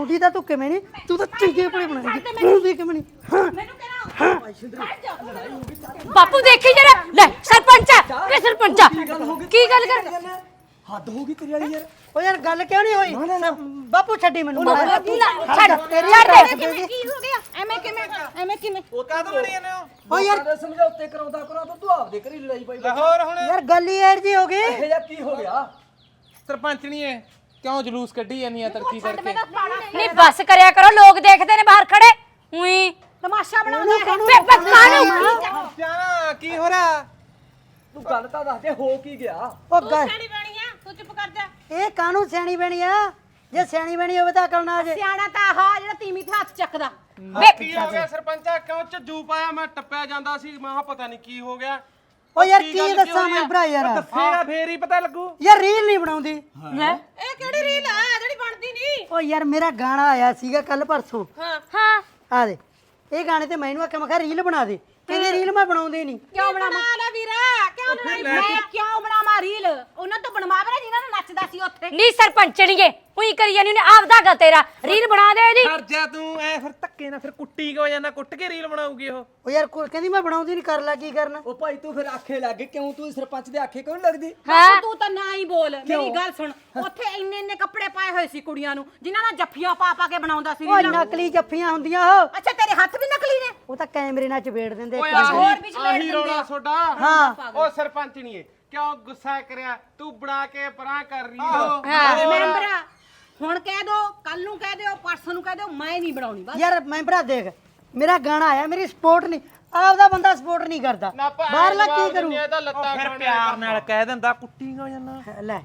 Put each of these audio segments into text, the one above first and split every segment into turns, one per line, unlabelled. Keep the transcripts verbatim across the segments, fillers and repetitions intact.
ਬਣਾਉਂਦੀ ਤਾਂ ਤੂੰ ਕਿਵੇਂ ਨਹੀਂ ਤੂੰ ਤਾਂ ਚੰਗੇ ਭਲੇ ਬਣਾਉਂਦੀ ਤੂੰ ਵੀ ਕਿਵੇਂ ਨਹੀਂ ਹਾਂ
ਮੈਨੂੰ ਬਾਪੂ ਦੇਖੀ ਜਰਾ ਲੈ ਸਰਪੰਚ ਇਹ ਸਰਪੰਚ ਕੀ ਗੱਲ ਕਰ
ਹੱਦ ਹੋ ਗਈ ਤੇਰੀ ਵਾਲੀ ਯਾਰ
ਓ ਯਾਰ ਗੱਲ ਕਿਉਂ ਨਹੀਂ ਹੋਈ ਬਾਪੂ ਛੱਡੀ ਮੈਨੂੰ
ਛੱਡ
ਤੇਰੀ
ਛੱਡ ਦੇ ਕੀ ਹੋ ਗਿਆ ਐਵੇਂ ਕਿਵੇਂ ਐਵੇਂ ਕਿਵੇਂ
ਉਹ ਕਾਹਤੋਂ ਬਣੀ ਜਾਂਦੇ ਹੋ
ਓ ਯਾਰ
ਸਾਰੇ ਸਮਝੌਤੇ ਕਰਾਉਂਦਾ ਕਰਾ ਤੂੰ ਆਪਦੇ ਘਰੀ ਲੜਾਈ ਪਾਈ
ਲਾਹੌਰ ਹੁਣ
ਯਾਰ ਗੱਲ ਹੀ ਐਰ ਜੀ ਹੋ ਗਈ
ਇਹ ਜਾਂ ਕੀ ਹੋ ਗਿਆ
ਸਰਪੰਚਣੀ ਐ ਕਿਉਂ ਜਲੂਸ ਕੱਢੀ ਜਾਂਦੀ ਆ ਤਰਕੀ ਕਰਕੇ
ਨਹੀਂ ਬਸ ਕਰਿਆ ਕਰੋ ਲੋਕ ਦੇਖਦੇ ਨੇ ਬਾਹਰ ਖੜੇ ਉਈ ਤਮਾਸ਼ਾ ਬਣਾਉਂਦਾ ਹੈ ਕਾਨੂੰ
ਜਾਨਾ ਕੀ ਹੋ ਰਿਹਾ
ਤੂੰ ਗੱਲ ਤਾਂ ਦੱਸ ਦੇ ਹੋ ਕੀ ਗਿਆ
ਓ ਗੱਲ
ਸਿਆਣੀ ਬਣੀ ਆ ਤੂੰ ਚੁੱਪ ਕਰ ਜਾ
ਇਹ ਕਾਹਨੂੰ ਸਿਆਣੀ ਬਣੀ ਆ ਜੇ ਸਿਆਣੀ ਬਣੀ ਹੋਵੇ ਤਾਂ ਅਕਲ ਨਾ ਆ ਜੇ
ਸਿਆਣਾ ਤਾਂ ਆਹ ਜਿਹੜਾ ਤੀਵੀਂ ਤੇ ਹੱਥ ਚੱਕਦਾ
ਕੀ ਹੋ ਗਿਆ ਸਰਪੰਚਾ ਕਿਉਂ ਝੱਜੂ ਪਾਇਆ ਮੈਂ ਟੱਪਿਆ ਜਾਂਦਾ ਸੀ ਮੈਂ ਕਿਹਾ ਪਤਾ ਨਹੀਂ ਕੀ ਹੋ ਗਿਆ
ਓ ਯਾਰ ਕੀ ਦੱਸਾਂ ਮੈਂ ਭਰਾ ਯਾਰ
ਦੱਸੇਗਾ ਫੇਰ ਹੀ ਪਤਾ ਲੱਗੂ
ਯਾਰ ਰੀਲ ਨਹੀਂ ਬਣਾਉਂਦੀ
ਇਹ ਕਿਹੜੀ ਰੀਲ ਆ ਜਿਹੜੀ ਬਣਦੀ ਨਹੀਂ
ਓ ਯਾਰ ਮੇਰਾ ਗਾਣਾ ਆਇਆ ਸੀਗਾ ਕੱਲ ਪਰਸੋਂ
ਹਾਂ ਹਾਂ
ਆ ਦੇ ਇਹ ਗਾਣੇ ਤੇ ਮੈਨੂੰ ਆਖਿਆ ਮੈਂ ਕਿਹਾ ਰੀਲ ਬਣਾ ਦੇ ਕਹਿੰਦੇ ਰੀਲ ਮੈਂ ਬਣਾਉਂਦੇ ਨਹੀਂ
ਕਿਉਂ ਬਣਾਵਾ ਲੈ ਵੀਰਾ ਕਿਉਂ ਬਣਾਈ ਮੈਂ ਕਿਉਂ ਬਣਾਵਾ ਰੀਲ ਉਹਨਾਂ ਤੋਂ ਬਣਵਾਵੇ ਨਾ ਜਿਨ੍ਹਾਂ ਨੂੰ ਨੱਚਦਾ ਸੀ ਉੱਥੇ ਨਹੀਂ ਸਰਪੰਚਣੀਏ ਉਹੀ ਕਰੀ ਜਾਨੀ ਉਹਨੇ ਆਪਦਾ ਗਾ ਤੇਰਾ ਰੀਲ ਬਣਾ ਦੇ ਇਹਦੀ
ਕਰ ਜਾ ਤੂੰ ਐ ਫਿਰ ਧੱਕੇ ਨਾਲ ਫਿਰ ਕੁੱਟੀ ਕਿਉਂ ਜਾਂਦਾ ਕੁੱਟ ਕੇ ਰੀਲ ਬਣਾਉਗੀ ਉਹ
ਓ ਯਾਰ ਕੋਈ ਕਹਿੰਦੀ ਮੈਂ ਬਣਾਉਂਦੀ ਨਹੀਂ ਕਰ ਲੈ ਕੀ ਕਰਨਾ
ਉਹ ਭਾਈ ਤੂੰ ਫਿਰ ਆਖੇ ਲੱਗ ਗਈ ਕਿਉਂ ਤੂੰ ਸਰਪੰਚ ਦੇ ਆਖੇ ਕਿਉਂ ਨੀ ਲੱਗਦੀ
ਹਾਂ ਤੂੰ ਤਾਂ ਨਾ ਹੀ ਬੋਲ ਮੇਰੀ ਗੱਲ ਸੁਣ ਉੱਥੇ ਇੰਨੇ ਇੰਨੇ ਕੱਪੜੇ ਪਾਏ ਹੋਏ ਸੀ ਕੁੜੀਆਂ ਨੂੰ ਜਿਨ੍ਹਾਂ ਨਾਲ ਜੱਫੀਆਂ ਪਾ ਪਾ ਕੇ ਬਣਾਉਂਦਾ ਸੀ
ਓ ਨਕਲੀ ਜੱਫੀਆਂ ਹੁੰਦੀਆਂ ਉਹ
ਅੱਛਾ ਤੇਰੇ ਹੱਥ ਵੀ ਨਕਲੀ ਨੇ
ਉਹ ਤਾਂ ਕੈਮਰੇ ਨਾਲ ਚਪੇੜ ਦਿੰਦੇ
ਓਏ
ਇੱਕ ਦੂਜੇ ਨੂੰ।
ਹੋਰ ਵੀ ਚਲੇੜ
ਆਹੀ
ਦਿੰਦੇ
ਰੌਲਾ
ਆ।
ਤੁਹਾਡਾ
ਹਾਂ
ਉਹ ਸਰਪੰਚਣੀਏ ਕਿਉਂ ਗੁੱਸਾ ਕਰਿਆ ਤੂੰ ਬਣਾ ਕੇ ਪਰਾਂ ਕਰ ਰਹੀ
ਹਾਂ ਮੈਂਬਰਾ ਹੁਣ ਕਹਿ ਦੋ ਕੱਲ ਨੂੰ ਕਹਿ ਦਿਓ ਪਰਸੋਂ ਨੂੰ ਕਹਿ ਦਿਓ ਮੈਂ ਨਹੀਂ ਬਣਾਉਣੀ ਬਸ
ਯਾਰ ਮੈਂ ਭਰਾ ਦੇਖ ਮੇਰਾ ਗਾਣਾ ਆਇਆ ਮੇਰੀ ਸਪੋਰਟ ਨਹੀਂ ਆਪਦਾ ਬੰਦਾ ਸਪੋਰਟ ਨਹੀਂ ਕਰਦਾ ਬਾਹਰਲਾ ਕੀ ਕਰੂ
ਇਹਦਾ ਲੱਤਾਂ ਫਿਰ ਪਿਆਰ ਨਾਲ ਕਹਿ ਦਿੰਦਾ ਕੁੱਟੀ ਕਿਉਂ ਜਾਂਦਾ
ਲੈ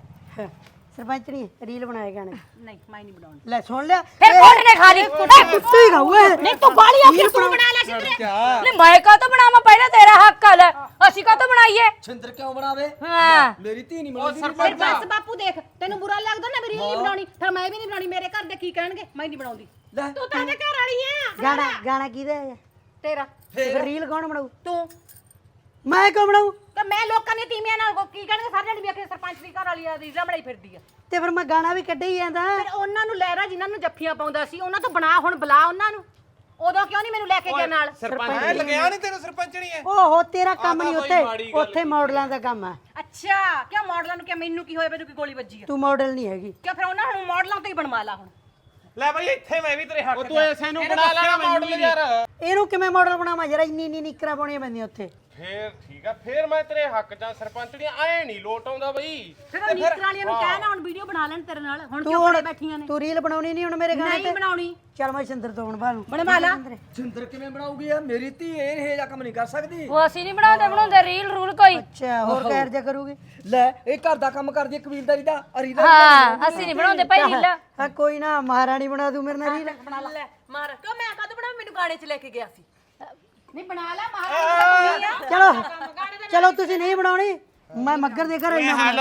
ਸਰਪੰਚ ਨਹੀਂ ਰੀਲ ਬਣਾਏ ਗਾਣੇ
ਨਹੀਂ ਮੈਂ ਨਹੀਂ ਬਣਾਉਣੀ
ਲੈ ਸੁਣ ਲਿਆ
ਫਿਰ ਕੋਟ ਨੇ ਖਾ ਲਈ
ਕੁੱਤੀ ਖਾਊ ਇਹ
ਨਹੀਂ ਤੂੰ ਬਾਲੀ ਆਖੀ ਤੂੰ ਬਣਾ ਲੈ ਸਿੰਦਰੇ ਨਹੀਂ ਮੈਂ ਕਾ ਤਾਂ ਬਣਾਵਾਂ ਪਹਿਲਾਂ ਤੇਰਾ ਹੱਕ ਆ ਲੈ ਅਸੀਂ ਕਾ ਤਾਂ ਬਣਾਈਏ
ਛਿੰਦਰ ਕਿਉਂ ਬਣਾਵੇ
ਹਾਂ
ਮੇਰੀ ਧੀ ਨਹੀਂ
ਉਹ
ਬਣਾਉਂਦੀ
ਫਿਰ
ਸਰਪੰਚ
ਬਸ ਬਾਪੂ ਦੇਖ ਤੈਨੂੰ ਬੁਰਾ ਲੱਗਦਾ ਨਾ ਮੇਰੀ ਨਹੀਂ ਬਣਾਉਣੀ ਫਿਰ ਮੈਂ ਵੀ ਨਹੀਂ ਬਣਾਉਣੀ ਮੇਰੇ ਘਰ ਦੇ ਕੀ ਕਹਿਣਗੇ ਮੈਂ ਨਹੀਂ ਬਣਾਉਂਦੀ
ਲੈ
ਤੂੰ ਤਾਂ ਇਹਦੇ ਘਰ ਵਾਲੀ ਆ
ਗਾਣਾ ਗਾਣਾ ਕਿਹਦਾ ਹੈ
ਤੇਰਾ
ਫਿਰ ਰੀਲ ਕੌਣ ਬਣਾਊ
ਤੂੰ
ਮੈਂ ਕਿਉਂ ਬਣਾਊ
ਤੇ ਮੈਂ ਲੋਕਾਂ ਦੀਆਂ ਤੀਵੀਆਂ ਨਾਲ ਕੀ ਕਹਿਣਗੇ ਸਾਰੇ ਜਣੇ ਵੀ ਆਖੇ ਸਰਪੰਚ ਦੀ ਘਰ ਵਾਲੀ ਆ ਰੀਲਾਂ ਬਣਾਈ ਫਿਰਦੀ ਆ
ਤੇ ਫਿਰ ਮੈਂ ਗਾਣਾ ਵੀ ਕੱਢਿਆ ਹੀ ਜਾਂਦਾ
ਫਿਰ ਉਹਨਾਂ ਨੂੰ ਲਹਿਰਾ ਜਿਨ੍ਹਾਂ ਨੂੰ ਜੱਫੀਆਂ ਪਾਉਂਦਾ ਸੀ ਉਹਨਾਂ ਤੋਂ ਬਣਾ ਹੁਣ ਬੁਲਾ ਉਹਨਾਂ ਨੂੰ ਉਦੋਂ ਕਿਉਂ ਨਹੀਂ ਮੈਨੂੰ ਲੈ ਕੇ ਗਿਆ ਨਾਲ
ਸਰਪੰਚ ਐ ਲੱਗਿਆ ਨਹੀਂ ਤੈਨੂੰ ਸਰਪੰਚਣੀ ਐ
ਓਹੋ ਤੇਰਾ ਕੰਮ ਨਹੀਂ
ਆਹ ਤਾਂ ਬਈ ਮਾੜੀ
ਉੱਥੇ
ਗੱਲ
ਉੱਥੇ ਮਾਡਲਾਂ ਦਾ ਕੰਮ ਆ
ਅੱਛਾ ਕਿਉਂ ਮਾਡਲਾਂ ਨੂੰ ਕਿ ਮੈਨੂੰ ਕੀ ਹੋਇਆ ਮੈਨੂੰ ਕੀ ਗੋਲੀ ਵੱਜੀ ਆ
ਤੂੰ ਮਾਡਲ ਨਹੀਂ ਹੈਗੀ
ਕਿਉਂ ਫਿਰ ਉਹਨਾਂ ਨੂੰ ਮਾਡਲਾਂ ਤੋਂ ਹੀ ਬਣਵਾ ਲਾ ਹੁਣ
ਲੈ ਬਈ ਇੱਥੇ ਮੈਂ ਵੀ ਤੇਰੇ ਹੱਕ ਤੂੰ ਐਸੇ ਨੂੰ ਬਣਾ ਲੈਣਾ ਮਾਡਲ ਯਾਰ
ਇਹਨੂੰ ਕਿਵੇਂ ਮਾਡਲ ਬਣਾਵਾਂ ਯਾਰ ਇੰਨੀ ਇੰਨੀ ਨਿਕਰਾਂ ਪਾਉਣੀਆਂ ਪੈਂਦੀਆਂ ਉੱਥੇ
ਫੇਰ ਠੀਕ ਆ ਫੇਰ ਮੈਂ ਤੇਰੇ ਹੱਕ ਜਾਂ ਸਰਪੰਚਣੀ ਐ ਨਹੀਂ ਲੋਟ ਆਉਂਦਾ ਬਈ
ਫਿਰ ਉਹ ਨੀਤਰ ਵਾਲਿਆਂ ਨੂੰ ਕਹਿ ਨਾ ਹੁਣ ਵੀਡੀਓ ਬਣਾ ਲੈਣ ਤੇਰੇ ਨਾਲ ਹੁਣ
ਤੂੰ
ਕਿਉਂ
ਹੁਣ
ਕੋਲੇ ਬੈਠੀਆਂ ਨੇ
ਤੂੰ ਰੀਲ ਬਣਾਉਣੀ ਨਹੀਂ ਹੁਣ ਮੇਰੇ ਗਾਣੇ
ਨਹੀਂ
ਤੇ
ਬਣਾਉਣੀ
ਚੱਲ ਮੈਂ ਸਿੰਦਰ ਤੋਂ ਬਣਵਾ ਲੂੰ
ਬਣਵਾ ਲਾ
ਛਿੰਦਰ ਕਿਵੇਂ ਬਣਾਉਗੀ ਆ ਮੇਰੀ ਧੀ ਇਹ ਇਹ ਜਿਹਾ ਕੰਮ ਨਹੀਂ ਕਰ ਸਕਦੀ
ਉਹ ਅਸੀਂ ਨਹੀਂ ਬਣਾਉਂਦੇ ਬਣਾਉਂਦੇ ਰੀਲ ਰੂਲ ਕੋਈ
ਅੱਛਾ ਹੋਰ ਕਹਿਰ ਜਾ ਕਰੂਗੀ
ਲੈ ਇਹ ਘਰ ਦਾ ਕੰਮ ਕਰਦੀ ਹੈ ਕਬੀਲਦਾਰੀ ਦਾ ਅਰੀ ਦਾ
ਹਾਂ ਅਸੀਂ ਨਹੀਂ ਬਣਾਉਂਦੇ ਭਾਈ ਰੀਲਾਂ
ਹਾਂ ਕੋਈ ਨਾ ਮਹਾਰਾਣੀ ਬਣਾ ਦੂੰ ਮੇਰੇ ਨਾਲ ਰੀਲ
ਬਣਾ ਲੈ ਮਾਰ ਕਿਉਂ ਮੈਂ ਕਦ ਬਣਾ ਮੈਨੂੰ ਗਾਣੇ 'ਚ ਲੈ ਕੇ ਗਿਆ ਸੀ ਨਹੀਂ ਬਣਾ ਲੈ ਮਹਾਰਾਣੀ ਦਾ ਆ
ਚਲੋ ਚਲੋ ਤੁਸੀਂ ਨਹੀਂ ਬਣਾਉਣੀ ਮੈਂ ਮੱਗਰ ਦੇ ਘਰ ਆਈ
ਹੈਲੋ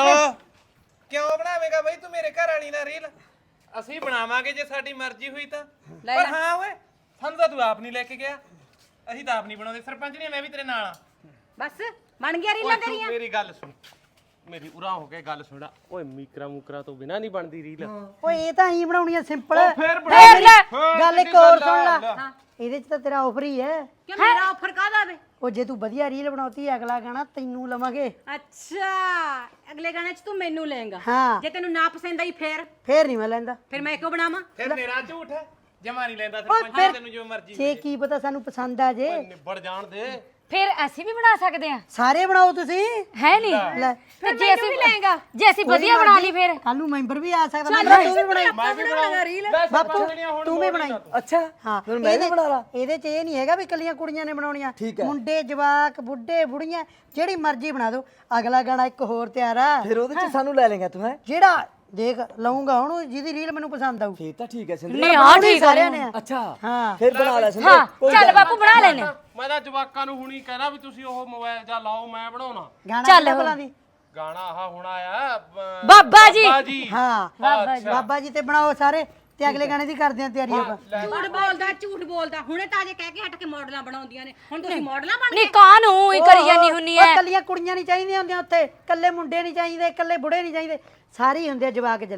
ਕਿਉਂ ਬਣਾਵੇਂਗਾ ਬਈ ਤੂੰ ਮੇਰੇ ਘਰ ਵਾਲੀ ਨਾਲ ਰੀਲ ਅਸੀਂ ਬਣਾਵਾਂਗੇ ਜੇ ਸਾਡੀ ਮਰਜ਼ੀ ਹੋਈ ਤਾਂ ਪਰ ਹਾਂ ਓਏ ਸਾਨੂੰ ਤਾਂ ਤੂੰ ਆਪ ਨਹੀਂ ਲੈ ਕੇ ਗਿਆ ਅਸੀਂ ਤਾਂ ਆਪ ਨਹੀਂ ਬਣਾਉਂਦੇ ਸਰਪੰਚਣੀ ਮੈਂ ਵੀ ਤੇਰੇ ਨਾਲ ਆ
ਬਸ ਬਣ ਗਿਆ ਰੀਲਾਂ ਤੇਰੀਆਂ
ਮੇਰੀ ਗੱਲ ਸੁਣ ਮੇਰੀ ਉਰਾ ਹੋ ਕੇ ਗੱਲ ਸੁਣਾ ਓਏ ਮੀਕਰਾ ਮੂਕਰਾ ਤੋਂ ਬਿਨਾ ਨਹੀਂ ਬਣਦੀ ਰੀਲ
ਓਏ ਇਹ ਤਾਂ ਹੀ ਬਣਾਉਣੀ ਆ ਸਿੰਪਲ
ਫੇਰ
ਫੇਰ ਲੈ
ਗੱਲ ਇੱਕ ਹੋਰ ਸੁਣ ਲੈ ਇਹਦੇ ਚ ਤਾਂ ਤੇਰਾ ਆਫਰ ਹੀ ਹੈ
ਕਿ ਮੇਰਾ ਆਫਰ ਕਾਹਦਾ ਵੇ
ਉਹ ਜੇ ਤੂੰ ਵਧੀਆ ਰੀਲ ਬਣਾਉਤੀ ਅਗਲਾ ਗਾਣਾ ਤੈਨੂੰ ਲਵਾਂਗੇ
ਅੱਛਾ ਅਗਲੇ ਗਾਣੇ 'ਚ ਤੂੰ ਮੈਨੂੰ ਲਏਗਾ
ਹਾਂ
ਜੇ ਤੈਨੂੰ ਨਾ ਪਸੰਦ ਆਈ ਫੇਰ
ਫੇਰ ਨਹੀਂ ਮੈਂ ਲੈਂਦਾ
ਫਿਰ ਮੈਂ ਕਿਉਂ ਬਣਾਵਾਂ
ਫਿਰ ਮੇਰਾ ਝੂਠ ਹੈ ਜਮਾ ਨਹੀਂ ਲੈਂਦਾ ਸਰਪੰਚ ਤੈਨੂੰ ਜੋ ਮਰਜ਼ੀ
ਜੇ ਕੀ ਪਤਾ ਸਾਨੂੰ ਪਸੰਦ ਆ ਜੇ
ਨਿਬੜ ਜਾਣ ਦੇ
ਫਿਰ ਅਸੀਂ ਵੀ ਬਣਾ ਸਕਦੇ ਆ
ਸਾਰੇ ਬਣਾਓ ਤੁਸੀਂ
ਹੈ ਨਹੀਂ
ਲੈ
ਫਿਰ ਜੇ ਅਸੀਂ ਵੀ ਲਏਗਾ ਜੇ ਅਸੀਂ ਵਧੀਆ ਬਣਾ ਲਈ ਫਿਰ
ਕੱਲ ਨੂੰ ਮੈਂਬਰ ਵੀ ਆ ਸਕਦਾ ਮੈਂ ਤੂੰ ਵੀ ਬਣਾਈ
ਮੈਂ ਵੀ ਬਣਾਉਂਗਾ ਰੀਲ
ਬਾਪੂ ਤੂੰ ਵੀ ਬਣਾਈ
ਅੱਛਾ
ਹਾਂ
ਫਿਰ ਮੈਂ ਵੀ ਬਣਾ ਲਾ
ਇਹਦੇ ਚ ਇਹ ਨਹੀਂ ਹੈਗਾ ਵੀ ਕੱਲੀਆਂ ਕੁੜੀਆਂ ਨੇ ਬਣਾਉਣੀਆਂ
ਠੀਕ ਹੈ।
ਮੁੰਡੇ ਜਵਾਕ ਬੁੱਢੇ ਬੁੜੀਆਂ ਜਿਹੜੀ ਮਰਜ਼ੀ ਬਣਾ ਦਿਓ ਅਗਲਾ ਗਾਣਾ ਇੱਕ ਹੋਰ ਤਿਆਰ ਆ
ਫਿਰ ਉਹਦੇ ਚ ਸਾਨੂੰ ਲੈ ਲੇਗਾ ਤੂੰ ਹੈ
ਜਿਹੜਾ ਦੇਖ ਲਊਂਗਾ ਹੁਣ ਜਿਹਦੀ ਰੀਲ ਮੈਨੂੰ ਪਸੰਦ ਆਊ
ਫੇਰ ਤਾਂ ਠੀਕ ਹੈ ਸਿੰਦਰ
ਨਹੀਂ ਹਾਂ ਠੀਕ ਆ
ਸਾਰਿਆਂ ਨੇ ਆ।
ਅੱਛਾ
ਹਾਂ
ਫਿਰ ਬਣਾ ਲੈ ਸਿੰਦਰ
ਹਾਂ ਚੱਲ ਬਾਪੂ ਬਣਾ ਲੈਨੇ
ਮੈਂ ਤਾਂ ਜਵਾਕਾਂ ਨੂੰ ਹੁਣੀ ਕਹਿਣਾ ਵੀ ਤੁਸੀਂ ਉਹ ਮੋਬਾਈਲ ਜਾਂ ਲਾਓ ਮੈਂ ਬਣਾਉਣਾ
ਗਾਣਾ
ਚੱਲ
ਕਿਹੜਾ
ਹੁਣ।
ਭਲਾ ਦੀ
ਗਾਣਾ ਆਹ ਹੁਣ ਆਇਆ ਅਹ,
ਬਾਬਾ ਜੀ
ਬਾਬਾ ਜੀ
ਹਾਂ ਬਾਬਾ ਜੀ ਤੇ ਬਣਾਓ ਸਾਰੇ ਤੇ ਅਗਲੇ ਗਾਣੇ ਦੀ ਕਰਦੇ ਆ ਤਿਆਰੀ ਆਪਾਂ
ਝੂਠ ਬੋਲਦਾ ਝੂਠ ਬੋਲਦਾ ਹੁਣੇ ਤਾਂ ਅਜੇ ਕਹਿ ਕੇ ਹਟ ਕੇ ਮਾਡਲਾਂ ਬਣਾਉਂਦੀਆਂ ਨੇ ਹੁਣ ਤੁਸੀਂ ਮਾਡਲਾਂ ਬਣ ਨਹੀਂ ਕਾਹਨੂੰ ਹੀ ਕਰੀ ਜਾਨੀ ਹੁੰਨੀ
ਉਹ ਕੱਲੀਆਂ ਕੁੜੀਆਂ ਨਹੀਂ ਚਾਹੀਦੀਆਂ ਹੁੰਦੀਆਂ ਉੱਥੇ ਕੱਲੇ ਮੁੰਡੇ ਨਹੀਂ ਚਾਹੀਦੇ ਕੱਲੇ ਬੁੜੇ ਨਹੀਂ ਚਾਹੀਦੇ ਸਾਰੇ ਹੀ ਹੁੰਦੇ ਆ ਜਵਾਕ ਜੱਲਾ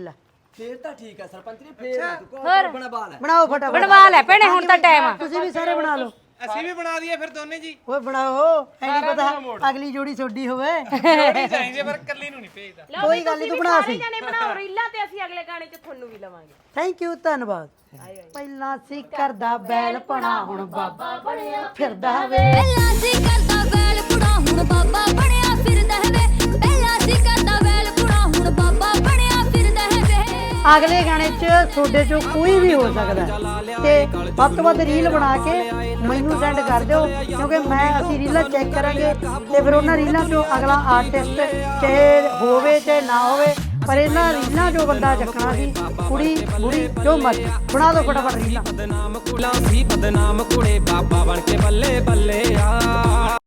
ਫੇਰ ਤਾਂ ਠੀਕ ਹੈ ਸਰਪੰਚ ਨੇ ਫੇਰ ਨਾ ਤੂੰ ਕੋਲ ਬਣਵਾ ਲੈ
ਬਣਾਓ ਫਟਾਫਟ
ਬਣਵਾ ਲੈ ਭੈਣੇ ਹੁਣ ਤਾਂ ਟਾਈਮ ਆ
ਤੁਸੀਂ ਵੀ ਸਾਰੇ ਬਣਾ ਲਓ
ਅਸੀਂ ਵੀ ਬਣਾ ਦਈਏ ਫਿਰ ਦੋਨੇ ਜੀ
ਓਏ ਬਣਾਓ ਐ ਨਹੀਂ ਪਤਾ ਅਗਲੀ ਜੋੜੀ ਛੋਡੀ ਹੋਵੇ
ਜੋੜੀ ਚਾਹੀਦੀ ਪਰ ਕੱਲੀ ਨੂੰ ਨਹੀਂ ਭੇਜਦਾ
ਕੋਈ ਗੱਲ ਨਹੀਂ ਤੂੰ ਬਣਾ ਸੀ
ਜਾਨੇ ਬਣਾਓ ਰੀਲਾਂ ਤੇ ਅਸੀਂ ਅਗਲੇ ਗਾਣੇ 'ਚ ਤੁਹਾਨੂੰ ਵੀ ਲਵਾਂਗੇ
ਥੈਂਕ ਯੂ ਧੰਨਵਾਦ ਪਹਿਲਾਂ ਸੀ ਕਰਦਾ ਬੈਲ ਪਣਾ ਹੁਣ ਬਾਬਾ ਬਣਿਆ ਫਿਰਦਾ ਵੇ
ਪਹਿਲਾਂ ਸੀ ਕਰਦਾ ਵੈਲ ਪੁੜਾ ਹੁਣ ਬਾਬਾ ਬਣਿਆ ਫਿਰਦਾ ਹੈ ਵੇ ਪਹਿਲਾਂ ਸੀ ਕਰਦਾ ਵੈਲ ਪੁੜਾ ਹੁਣ ਬਾਬਾ ਬਣਿਆ ਫਿਰਦਾ ਹੈ ਵੇ
ਅਗਲੇ ਗਾਣੇ 'ਚ ਤੁਹਾਡੇ 'ਚੋਂ ਕੋਈ ਵੀ ਹੋ ਸਕਦਾ ਹੈ। ਤੇ ਵੱਧ ਤੋਂ ਵੱਧ ਰੀਲ ਬਣਾ ਕੇ ਮੈਨੂੰ ਸੈਂਡ ਕਰ ਦਿਓ ਕਿਉਂਕਿ ਮੈਂ ਅਸੀਂ ਰੀਲਾਂ ਚੈੱਕ ਕਰਾਂਗੇ ਤੇ ਫਿਰ ਉਹਨਾਂ ਰੀਲਾਂ 'ਚੋਂ ਅਗਲਾ ਆਰਟਿਸਟ ਚਾਹੇ ਹੋਵੇ ਚਾਹੇ ਨਾ ਹੋਵੇ ਪਰ ਇਹਨਾਂ ਰੀਲਾਂ 'ਚੋਂ ਬੰਦਾ ਚੱਕਣਾ ਸੀ ਕੁੜੀ ਬੁੜੀ ਜੋ ਮਰਜ਼ੀ ਬਣਾ ਦਿਓ ਫਟਾਫਟ ਰੀਲਾਂ
ਬਦਨਾਮ ਕੁੜਾ ਸੀ ਬਦਨਾਮ ਕੁੜੇ ਬਾਬਾ ਬਣ ਕੇ ਬੱਲੇ ਬੱਲੇ ਆ